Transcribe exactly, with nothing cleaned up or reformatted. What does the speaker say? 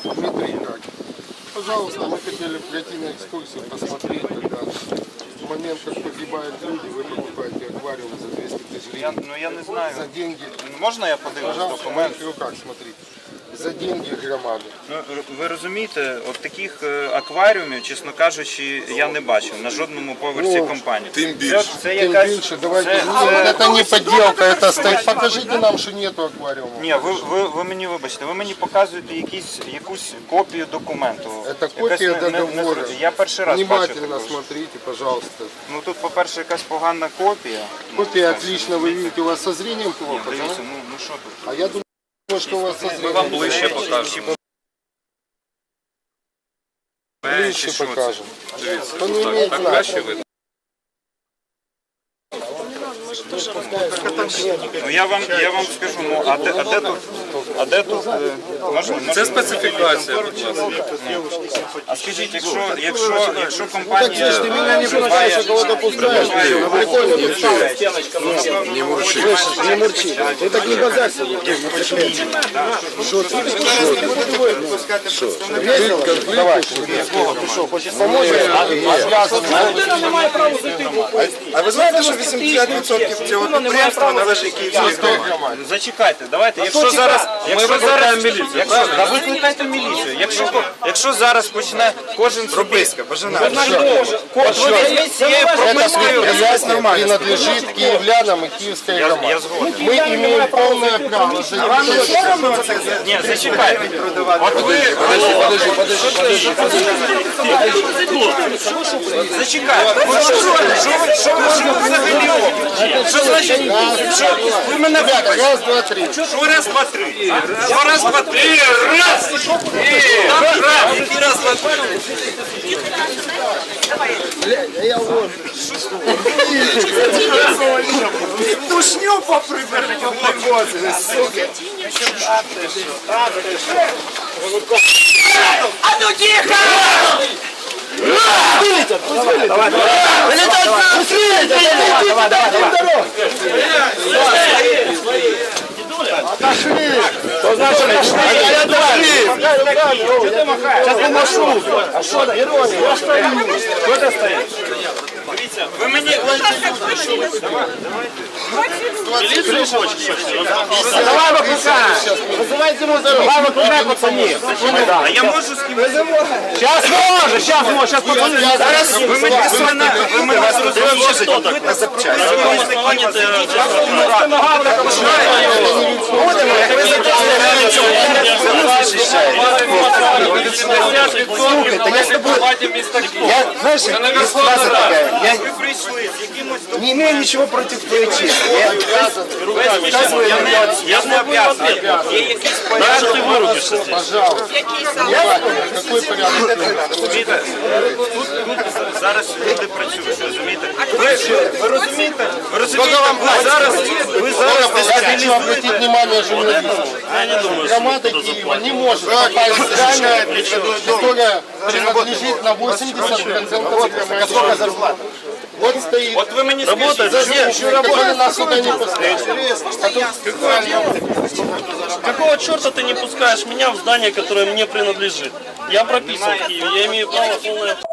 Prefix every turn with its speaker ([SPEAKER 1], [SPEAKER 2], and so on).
[SPEAKER 1] Дмитрий, как? Пожалуйста, мы хотели пройти на экскурсию, посмотреть, когда в момент, как погибают люди, вы покупаете аквариум за двести тысяч гривен.
[SPEAKER 2] Я, ну я не знаю.
[SPEAKER 1] За деньги.
[SPEAKER 2] Можна я подивлюсь
[SPEAKER 1] Пожалуйста, в
[SPEAKER 2] документ?
[SPEAKER 1] моих руках, смотрите. За деньги громади.
[SPEAKER 2] Ну, ви розумієте, от таких е, акваріумів, чесно кажучи, я не бачив на жодному поверсі
[SPEAKER 1] Ну,
[SPEAKER 2] компанії.
[SPEAKER 3] Тим більше.
[SPEAKER 2] Це, це
[SPEAKER 1] Тем
[SPEAKER 2] якась...
[SPEAKER 1] меньше, давайте.
[SPEAKER 2] це-
[SPEAKER 1] Нет, это не подделка, это стоит. Покажите нам, что нету аквариума.
[SPEAKER 2] Ні, ви, ви, ви мені вибачте, ви мені показуєте якісь, якусь копію документу.
[SPEAKER 1] Это
[SPEAKER 2] Якась
[SPEAKER 1] копия
[SPEAKER 2] не- не- не
[SPEAKER 1] договора.
[SPEAKER 2] зрозуміло. Я перший раз бачу
[SPEAKER 1] Внимательно
[SPEAKER 2] таку.
[SPEAKER 1] смотрите, пожалуйста.
[SPEAKER 2] Ну тут, по-перше, якась погана копія.
[SPEAKER 1] Копия отлично, вы видите, у вас со зрением плохо, да?
[SPEAKER 2] Дивіться, ну, ну що тут?
[SPEAKER 1] А я думаю, что у вас со
[SPEAKER 2] Ми
[SPEAKER 1] зрением.
[SPEAKER 2] вам ближче покажемо.
[SPEAKER 1] Ближче покажем. То не имеет значения.
[SPEAKER 2] Ну я вам, я вам скажу, ну а де, а де тут, а де тут, е, можна, можна?
[SPEAKER 3] Це специфікація, будь ласка.
[SPEAKER 2] А скажіть, якщо, якщо, якщо компанія...
[SPEAKER 1] Ты меня не пускаешь, а кого-то пускаешь. Прикольно,
[SPEAKER 3] Не мурчи.
[SPEAKER 1] не мурчи. Ты так не базарься. Что ты? Давай. Ты что, хочешь помочь?
[SPEAKER 3] А ви знаєте, що вісімдесят відсотків цього підприємства належить Київській громаді?
[SPEAKER 2] Ну, зачекайте, давайте, якщо зараз... Якщо зараз... Якщо, да викликайте міліцію. Якщо, якщо зараз почне кожен собі...
[SPEAKER 3] Прописка, бажана.
[SPEAKER 2] От ви візьміть цією пропискою...
[SPEAKER 1] Предприятие принадлежит киевлянам и киевской
[SPEAKER 2] Я,
[SPEAKER 1] громаде.
[SPEAKER 2] я згоден.
[SPEAKER 1] Мы имеем полное право заявить.
[SPEAKER 2] Ні, зачекайте. От ви...
[SPEAKER 1] Подожди, подожди, подожди, подожди.
[SPEAKER 2] Зачекайте. Ну, що, що, ви- що ви що ви взагалі робите? Що значить? Що? Ви мене
[SPEAKER 1] Ребята, раз, два, три.
[SPEAKER 2] Що раз, два, три? Що раз, два, три? Раз! Там раз! Який раз, два, три?
[SPEAKER 3] Тушню поприберуть.
[SPEAKER 4] А ну тихо!
[SPEAKER 2] Ви мені...
[SPEAKER 1] Давай выпускай! Вызывайте ему здоровье! Давай выпускай, пацаны!
[SPEAKER 2] А я можу з ким...
[SPEAKER 1] Сейчас можно, сейчас можно, сейчас пацаны!
[SPEAKER 2] Зараз ви мені... Ви мене... Ви мене зрозуміли, що так?
[SPEAKER 3] На запчасті.
[SPEAKER 1] Будемо, як ви Слухай, та я с тобой... Я, знаешь, есть фраза такая, я
[SPEAKER 2] Ви прийшли з якимось...
[SPEAKER 1] не имею ничего против твоей чести. Я обязан.
[SPEAKER 2] Я не, я не об'язаний. Є якийсь порядок.
[SPEAKER 1] Пожалуйста. Какой порядок?
[SPEAKER 2] Розумієте? Тут зараз люди працюють, розумієте? Ви, ви розумієте? Ви розумієте? Ви зараз... Ви зараз
[SPEAKER 1] Я хочу обратить внимание журналистов. Громада Киева не может попасть в здание, которое принадлежит на восемьдесят процентов. Сколько зарплата? Вот стоит.
[SPEAKER 2] От ви мені
[SPEAKER 1] Работает,
[SPEAKER 2] скажіть,
[SPEAKER 1] который нас сюда не пускает.
[SPEAKER 5] Какого черта ты не пускаешь меня в здание, которое мне принадлежит? Я прописан в Киеве, я имею право полное...